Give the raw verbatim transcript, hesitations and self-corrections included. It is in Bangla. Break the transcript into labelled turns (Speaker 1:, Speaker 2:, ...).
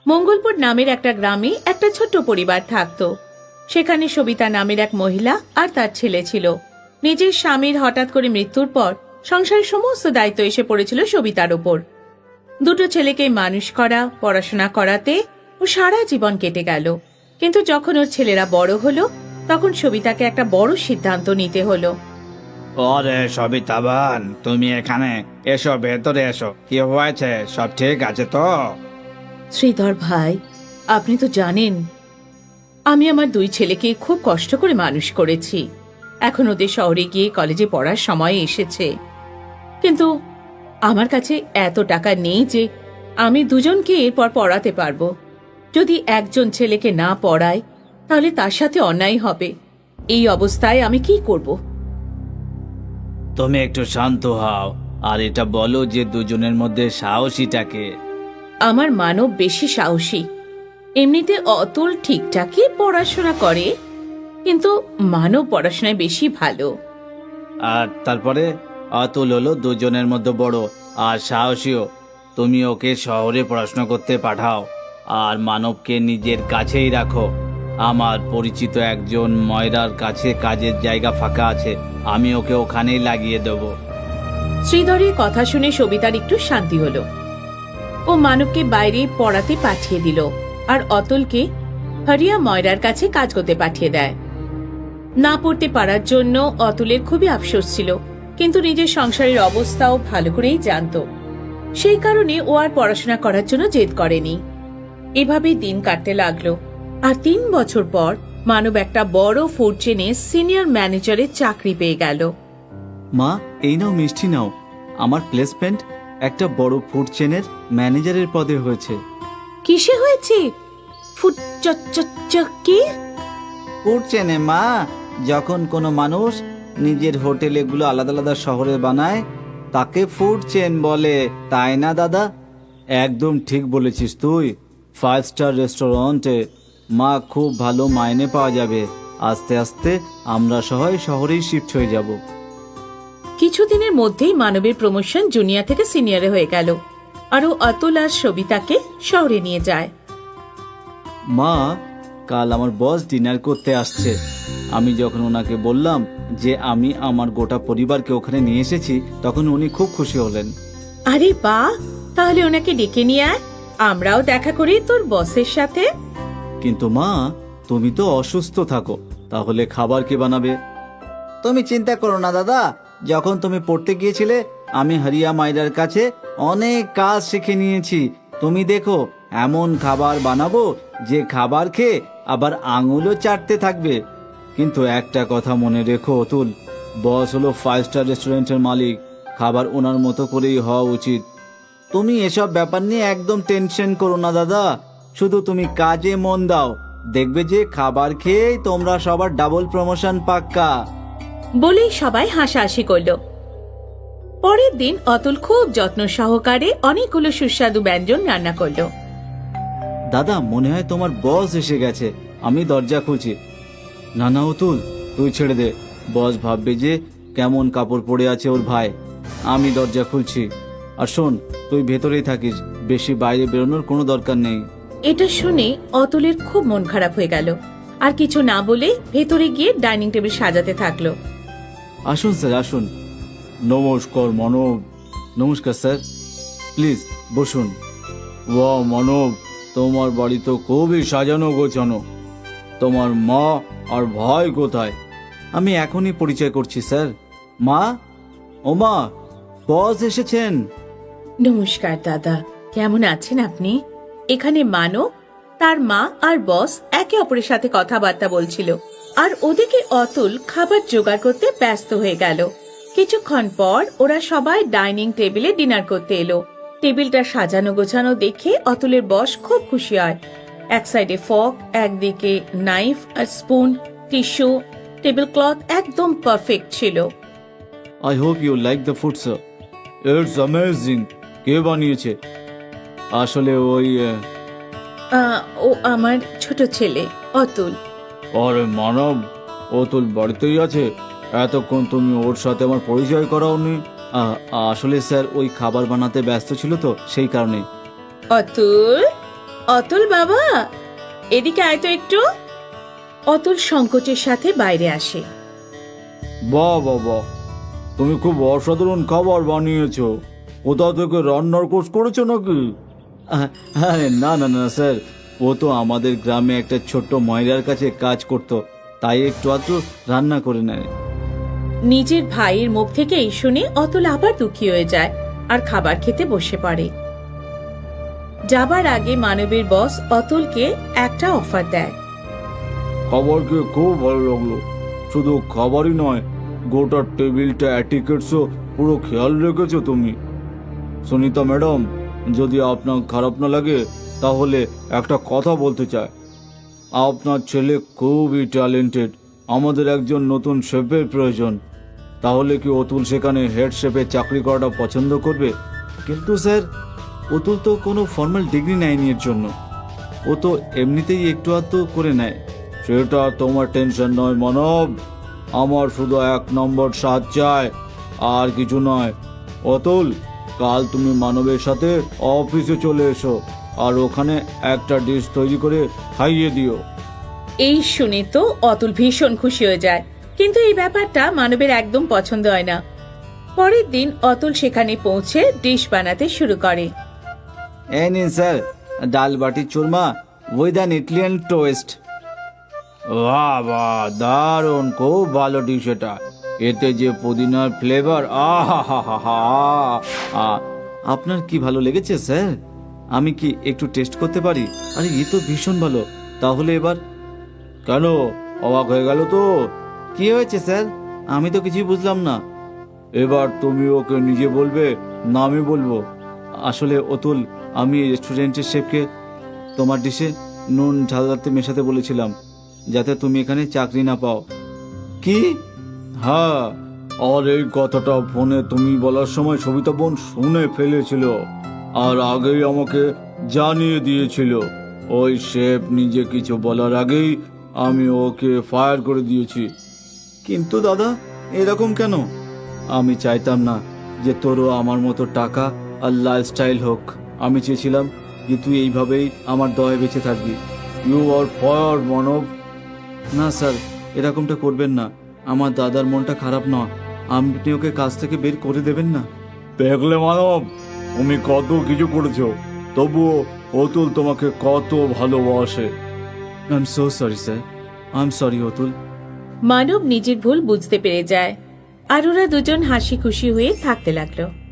Speaker 1: মঙ্গলপুর নামের একটা গ্রামে একটা ছোট্ট পরিবার থাকতো। সেখানে সবিতা নামের এক মহিলা আর তার ছেলে ছিল। নিজের স্বামীর হঠাৎ করে মৃত্যুর পর সংসারের সমস্ত দায়িত্ব এসে পড়েছিল সবিতার ওপর। দুটো ছেলেকে মানুষ করা, পড়াশোনা করাতে ও সারা জীবন কেটে গেল। কিন্তু যখন ওর ছেলেরা বড় হলো, তখন সবিতাকে একটা বড় সিদ্ধান্ত নিতে হলো।
Speaker 2: ওরে সবিতাবান, তুমি এখানে এসো, ভেতরে এসো। কি হয়েছে? সব ঠিক আছে তো?
Speaker 1: শ্রীধর ভাই, আপনি তো জানেন আমি আমার দুই ছেলেকে খুব কষ্ট করে মানুষ করেছি। এখন ওদের শহরে গিয়ে কলেজে পড়ার সময় এসেছে, কিন্তু আমার কাছে এত টাকা নেই যে আমি দুজনকে এরপর পড়াতে পারবো। যদি একজন ছেলেকে না পড়াই তাহলে তার সাথে অন্যায় হবে। এই অবস্থায় আমি কি করব?
Speaker 2: তুমি একটু শান্ত হও আর এটা বলো যে দুজনের মধ্যে সাহসীটাকে।
Speaker 1: আমার মানব বেশি সাহসী। এমনিতে অতুল ঠিকঠাকই পড়াশোনা করে, কিন্তু মানব পড়াশোনায় বেশি ভালো।
Speaker 2: আর তারপরে অতুল হলো দুজনের মধ্যে বড় আর সাহসীও। তুমি ওকে শহরে পড়াশোনা করতে পাঠাও আর মানবকে নিজের কাছেই রাখো। আমার পরিচিত একজন ময়রার কাছে কাজের জায়গা ফাঁকা আছে, আমি ওকে ওখানেই লাগিয়ে দেব।
Speaker 1: শ্রীধরের কথা শুনে সবিতার একটু শান্তি হলো। ও মানবকে বাইরে পড়াতে পাঠিয়ে দিল আর অতুলকে হরিয়া ময়রার কাছে কাজ করতে পাঠিয়ে দেয়। না পড়তে পারার জন্য অতুলের খুবই আফসোস ছিল, কিন্তু নিজের সংসারের অবস্থাও ভালো করেই জানতো। সেই কারণে ও আর পড়াশোনা করার জন্য জেদ করেনি। এভাবেই দিন কাটতে লাগলো। আর তিন বছর পর মানব একটা বড় ফুড চেনে সিনিয়র ম্যানেজারের চাকরি পেয়ে গেল।
Speaker 3: মা, এই নাও মিষ্টি নাও। আমার প্লেসমেন্ট একটা বড় ফুড চেনের ম্যানেজারের পদে হয়েছে।
Speaker 1: কিসে হয়েছে? ফুড কি?
Speaker 3: ফুড চেনে মা, যখন কোনো মানুষ নিজের হোটেল এগুলো আলাদা আলাদা শহরে বানায় তাকে ফুড চেন বলে, তাই না দাদা? একদম ঠিক বলেছিস তুই। ফাইভ স্টার রেস্টুরেন্টে মা খুব ভালো মাইনে পাওয়া যাবে। আস্তে আস্তে আমরা সবাই শহরেই শিফট হয়ে যাব।
Speaker 1: কিছুদিনের মধ্যেই মানবের প্রমোশন জুনিয়র থেকে সিনিয়রে হয়ে গেল। আরও অতুল আর সবিতাকে শহরে নিয়ে যায়।
Speaker 3: মা, কাল আমার বস ডিনার করতে আসছে। আমি যখন ওনাকে বললাম যে আমি আমার গোটা পরিবারকে ওখানে নিয়ে এসেছি, তখন উনি খুব খুশি হলেন।
Speaker 1: আরে বাহ, তাহলে ওনাকে ডেকে নিয়ে আয়, আমরাও দেখা করি তোর বসের সাথে।
Speaker 3: কিন্তু মা, তুমি তো অসুস্থ থাকো, তাহলে খাবার কে বানাবে? তুমি চিন্তা করো না দাদা, যখন তুমি পড়তে গিয়েছিলে আমি হরিয়া মাইরার কাছে অনেক কাজ শিখে নিয়েছি। তুমি দেখো, এমন খাবার বানাবো যে খাবার খেয়ে আবার আঙুলও চাটতে থাকবে। কিন্তু একটা কথা মনে রেখো অতুল, বস হলো ফাইভ স্টার রেস্টুরেন্টের মালিক, খাবার ওনার মতো করেই হওয়া উচিত। তুমি এসব ব্যাপার নিয়ে একদম টেনশন করো না দাদা, শুধু তুমি কাজে মন দাও, দেখবে যে খাবার খেয়েই তোমরা সবার ডাবল প্রমোশন পাক্কা।
Speaker 1: বলেই সবাই হাসাহাসি করল। পরের দিন অতুল খুব যত্ন সহকারে অনেকগুলো সুস্বাদু ব্যঞ্জন রান্না করলো।
Speaker 3: দাদা, মনে হয় তোমার বস এসে গেছে, আমি দরজা খুলছি। না না অতুল, তুই ছেড়ে দে, বস ভাববে যে কেমন কাপড় পরে আছে ওর ভাই। আমি দরজা খুলছি। আর শোন, তুই ভেতরেই থাকিস, বেশি বাইরে বেরোনোর কোনো দরকার নেই।
Speaker 1: এটা শুনে অতুলের খুব মন খারাপ হয়ে গেল, আর কিছু না বলে ভেতরে গিয়ে ডাইনিং টেবিল সাজাতে থাকলো।
Speaker 3: আসুন স্যার, আসুন। নমস্কার মানব। নমস্কার স্যার, প্লিজ বসুন। ওয়াও মানব, তোমার বাড়ি তো খুবই সাজানো গোছানো। তোমার মা আর ভাই কোথায়? আমি এখনই পরিচয় করছি স্যার। মা, ও মা, বস এসেছেন।
Speaker 1: নমস্কার দাদা, কেমন আছেন আপনি? এখানে মানব, তার মা আর বস একে অপরের সাথে কথাবার্তা বলছিল, আর ওদিকে অতুল খাবার জোগাড় করতে ব্যস্ত হয়ে গেল। কিছুক্ষণ পর ওরা সবাই ডাইনিং টেবিলে ডিনার করতে এলো। টেবিলটা সাজানো গোছানো দেখে অতুলের বস খুব খুশি হয়। এক সাইডে ফক, একদিকে নাইফ আর স্পুন, টিস্যু, টেবিল ক্লথ একদম পারফেক্ট ছিল।
Speaker 3: I hope you like the food sir, it's amazing. কে বানিয়েছে? আসলে ওই
Speaker 1: আহ, ও আমার ছোট ছেলে অতুল।
Speaker 3: আরে মানব, অতুল বাড়িতেই আছে? এতক্ষণ তুমি ওর সাথে আমার পরিচয় করাওনি। আসলে স্যার ওই খাবার বানাতে ব্যস্ত ছিল তো, সেই কারণে।
Speaker 1: অতুল, অতুল বাবা, এদিকে আয় তো একটু। অতুল সংকোচের সাথে বাইরে আসে।
Speaker 3: বাহ বাহ বাহ, তুমি খুব অসাধারণ খাবার বানিয়েছো। কোথা থেকে রান্নার কোর্স করেছো নাকি? আরে না না না স্যার, ও তো আমাদের গ্রামে একটা ছোট্ট ময়রার কাছে কাজ করতো, তাই একটু আধটু রান্না করে নেয়।
Speaker 1: নিজের ভাইয়ের মুখ থেকে এই শুনে অতুল আবার দুঃখী হয়ে যায় আর খাবার খেতে বসে পড়ে। যাবার আগে মানবের বস অতুলকে একটা অফার দেয়।
Speaker 3: খাবার খেয়ে খুব ভালো লাগলো। শুধু খাবারই নয়, গোটা টেবিলটা অ্যাটিকেটসও পুরো খেয়াল রেখেছো তুমি। সুনিতা ম্যাডাম, যদি আপনার খারাপ না লাগে তাহলে একটা কথা বলতে চাই। আপনার ছেলে খুবই ট্যালেন্টেড, আমাদের একজন নতুন শেফের প্রয়োজন। তাহলে কি অতুল সেখানে হেড শেফের চাকরি করাটা পছন্দ করবে? কিন্তু স্যার, অতুল তো কোনো ফর্মাল ডিগ্রি নেয়নি এর জন্য, ও তো এমনিতেই একটু আধটু করে নেয়। সেটা তোমার টেনশন নয় মানব, আমার শুধু এক নম্বর স্বাদ চাই, আর কিছু নয়। অতুল, কাল তুমি মানবের সাথে অফিসে চলে এসো আর ওখানে একটা ডিশ তৈরি করে খাইয়ে দিও।
Speaker 1: এই শুনে তো অতুল ভীষণ খুশি হয়ে যায়, কিন্তু এই ব্যাপারটা মানবের একদম পছন্দ হয় না। পরের দিন অতুল সেখানে পৌঁছে ডিশ বানাতে শুরু করে।
Speaker 3: এই নিন sir, dal baati churma with an Italian toast. বাহ বাহ, দারুণ, খুব ভালো ডিশ এটা। এতে যে পুদিনার ফ্লেভার, আহা হা হা হা। আপনার কি ভালো লেগেছে স্যার? আমি কি একটু টেস্ট করতে পারি? আরে এ তো ভীষণ ভালো। তাহলে এবার কেন অবাক হয়ে গেল তো? কি হয়েছে স্যার? আমি তো কিছুই বুঝলাম না। এবার তুমি ওকে নিজে বলবে না আমি বলবো? আসলে অতুল, আমি রেস্টুরেন্টের শেফকে তোমার ডিশে নুন ঝালদাতে মেশাতে বলেছিলাম, যাতে তুমি এখানে চাকরি না পাও। কি? হ্যাঁ, আর এই কথাটা ফোনে তুমি বলার সময় সবিতা বোন শুনে ফেলেছিল আর আগেই আমাকে জানিয়ে দিয়েছিল। ওই শেফ নিজে কিছু বলার আগেই আমি ওকে ফায়ার করে দিয়েছি। কিন্তু দাদা, এরকম কেন? আমি চাইতাম না যে তোরও আমার মতো টাকা আর লাইফস্টাইল হোক। আমি চেয়েছিলাম যে তুই এইভাবেই আমার দয়ে বেঁচে থাকবি। You are fire Manab. না স্যার, এরকমটা করবেন না। আমার দাদার মনটা খারাপ না, আপনি ওকে কাজ থেকে বের করে দেবেন না। দেখলে মানব, তুমি কত কিছু করেছো, তবুও অতুল তোমাকে কত ভালোবাসে। I am so sorry sir, I am sorry Atul.
Speaker 1: Manab নিজের ভুল বুঝতে পেরে যায় আর ওরা দুজন হাসি খুশি হয়ে থাকতে লাগলো।